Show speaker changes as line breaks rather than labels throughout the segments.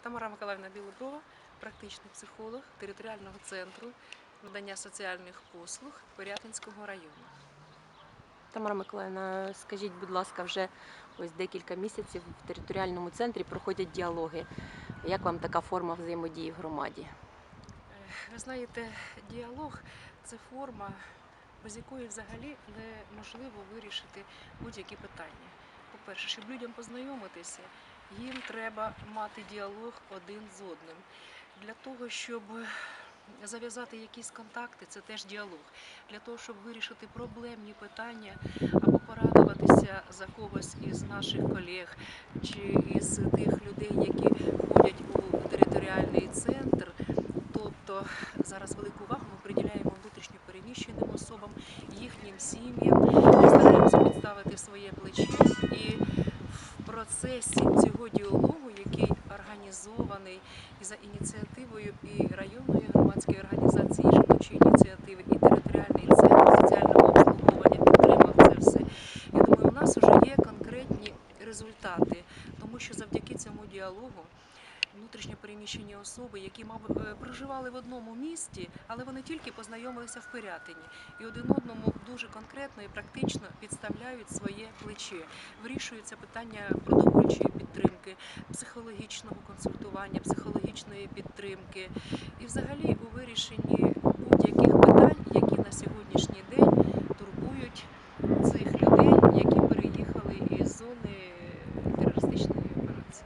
Тамара Миколаївна Білоброва, практичний психолог територіального центру надання соціальних послуг Пирятинського району.
Тамара Миколаївна, скажіть, будь ласка, вже ось декілька місяців в територіальному центрі проходять діалоги. Як вам така форма взаємодії в громаді?
Ви знаєте, діалог – це форма, без якої взагалі неможливо вирішити будь-які питання. По-перше, щоб людям познайомитися, їм треба мати діалог один з одним. Для того, щоб зав'язати якісь контакти, це теж діалог. Для того, щоб вирішити проблемні питання або порадуватися за когось із наших колег чи із тих людей, які входять у територіальний центр. Тобто зараз велику увагу ми приділяємо внутрішньо переміщеним особам, їхнім сім'ям, ми стараємося підставити своє плече. І в процесі цього діалогу, який організований і за ініціативою і районної громадської організації жіночої ініціативи, і територіальний центр соціального обслуговування підтримав це все, я думаю, у нас вже є конкретні результати, тому що завдяки цьому діалогу внутрішньо переміщені особи, які, мабуть, проживали в одному місті, але вони тільки познайомилися в Пирятині. І один одному дуже конкретно і практично підставляють своє плече. Вирішуються питання продовольчої підтримки, психологічного консультування, психологічної підтримки. І взагалі у вирішенні будь-яких питань, які на сьогоднішній день турбують цих людей, які переїхали із зони терористичної операції.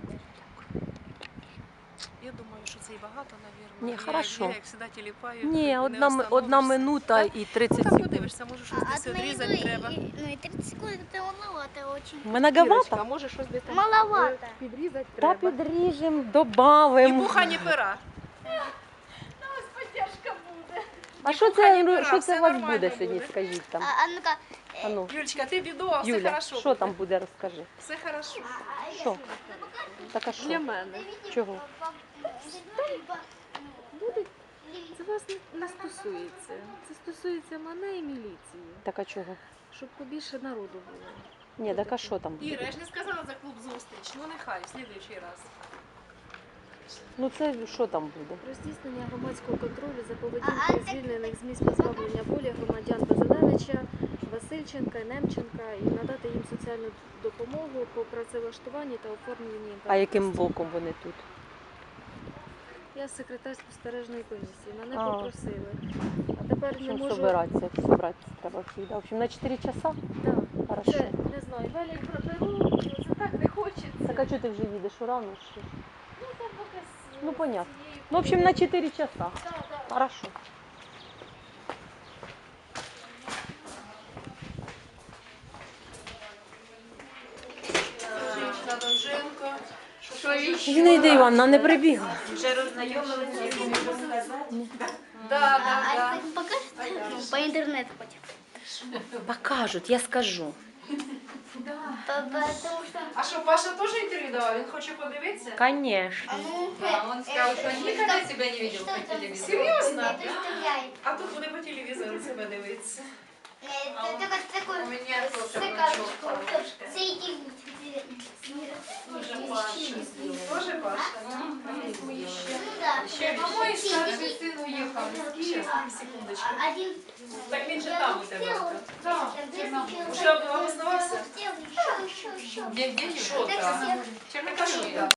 Я думаю, що це і багато, мабуть.
Ні, хорошо.
Я, як завжди, тіліпаю.
Ні, одна минута і 30
там
секунд.
подивишся, може щось десь відрізати треба.
Ну и 30 секунд это маловато очень.
Многовато?
Може щось десь там
Маловато.
підрізати
Та
треба.
підріжемо,
Ні
добавимо.
пуха, ні пера.
А що це у вас буде сьогодні, скажіть там?
А ну-ка.
А ну,
Юлечка, ти відео, все
Юля,
хорошо.
що там буде, розкажи.
Все хорошо.
Що? Так а що?
Для мене.
Чого?
Це вас не стосується. Це стосується мене і міліції,
Так а чого?
щоб побільше народу було.
Ні, так а що там буде?
Іра, я ж не сказала за клуб зустріч. Ну нехай, в слідуючий раз.
Ну це що там буде?
Про здійснення громадського контролю за поведінкою звільнених з місць позбавлення волі громадян Базилевича, Васильченка, Немченка і надати їм соціальну допомогу по працевлаштуванні та оформленні.
А яким боком вони тут?
Я секретар спостережної комісії. Мене
А.
попросили. А тепер не
Чим
можу.
собиратися треба всіх. В общем, на 4 часа?
Так.
Хорошо.
Це не знаю, велять проберу, це так не хочеться.
Так а чого ти вже їдеш урано? Що?
Ну, там поки з
Ну, понятно.
цією
Ну, в общем, на 4 часа.
Да, да.
Хорошо.
Довженко.
Зінаїда Івановна не прибігла.
Да.
Покажешь? Ну, по интернету хоть.
Покажуть, я скажу.
Потому что...
А що, Паша теж інтерв'ю давав? Він хоче подивитися?
Конечно.
Он сказал, что никогда тебя не видел
Что
по
там?
телевизору.
Серйозно?
Это стреляет.
А тут буде по телевізору себе дивитися.
Это только такой...
У меня тоже
стаканчик. Соединить.
Тоже Паша?
Ну да.
Мой старший сын уехал из Киева.
Секундочку.
Один...
Так він же там у тебе.
Да,
Уже обоснувався?
Еще.
Где
Що там?
Так,
Чернокожий, да.